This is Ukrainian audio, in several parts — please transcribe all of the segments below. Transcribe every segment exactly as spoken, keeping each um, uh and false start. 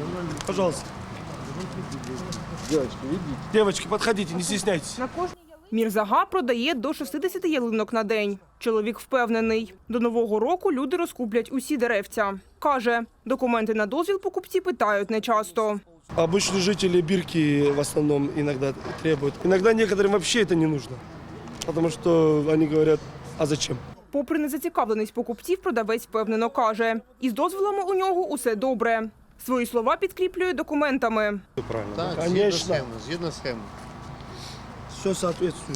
Пожалуйста. Девочки, видите? Девочки, подходите, не стесняйтесь. Мірзага продає до шістдесят ялинок на день. Чоловік впевнений, до Нового року люди розкуплять усі деревця. Каже, документи на дозвіл покупці питають нечасто. Обычные жители Бирки в основном иногда требуют. Иногда некоторым вообще это не нужно. Потому что они говорят, а зачем? Попри незацікавленість покупців, продавець впевнено каже, із дозволами у нього усе добре. Свої слова підкріплює документами. Правильно. Так, згідно Конечно. схеми, згідно схеми. Все соответствует.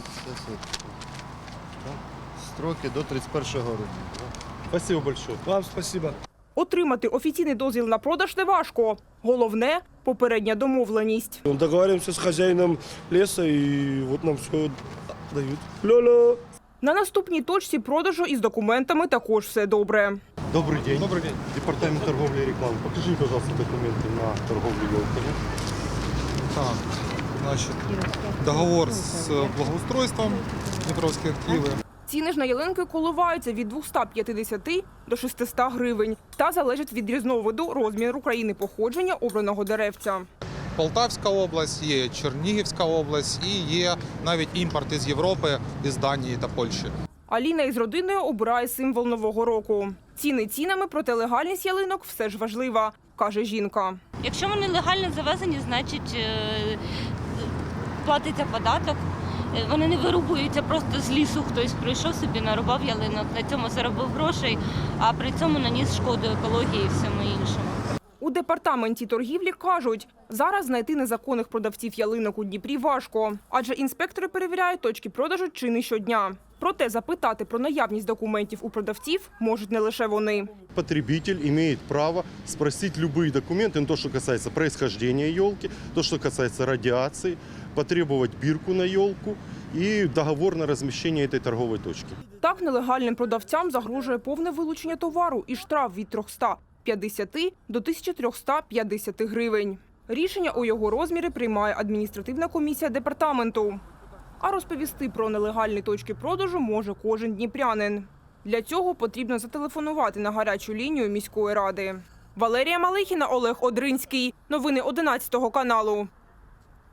Строки до тридцять першого грудня. Спасибо большое. Вам спасибо. Отримати офіційний дозвіл на продаж неважко. Головне – попередня домовленість. Договоримся с хозяином леса и вот нам все дают. Ля-ля. На наступній точці продажу із документами також все добре. Добрый день. Добрый день. Департамент торговли и рекламы. Покажи, пожалуйста, документы на торговлю елками. Так, значит, договор с благоустройством Днепровские активы. Ціни ж на ялинки коливаються від двохсот п'ятдесят до шістсот гривень та залежать від різновиду, розміру, країни походження обраного деревця. Полтавська область, є Чернігівська область і є навіть імпорт із Європи, із Данії та Польщі. Аліна із родиною обирає символ Нового року. Ціни цінами, проте легальність ялинок все ж важлива, каже жінка. Якщо вони легально завезені, значить платиться податок. Вони не вирубуються просто з лісу, хтось прийшов собі, нарубав ялинок, на цьому заробив грошей, а при цьому наніс шкоду екології і всьому іншому. У департаменті торгівлі кажуть, зараз знайти незаконних продавців ялинок у Дніпрі важко, адже інспектори перевіряють точки продажу чи не щодня. Проте запитати про наявність документів у продавців можуть не лише вони. Потребитель имеет право спросить любые документы, ну, то, что касается происхождения елки, то, что касается радиации, потребовать бирку на елку и договор на размещение этой торговой точки. Так нелегальним продавцям загрожує повне вилучення товару і штраф від трьохсот п'ятдесят до тисячі трьохсот п'ятдесят гривень. Рішення у його розмірі приймає адміністративна комісія департаменту. А розповісти про нелегальні точки продажу може кожен дніпрянин. Для цього потрібно зателефонувати на гарячу лінію міської ради. Валерія Малихіна, Олег Одринський. Новини одинадцятого каналу.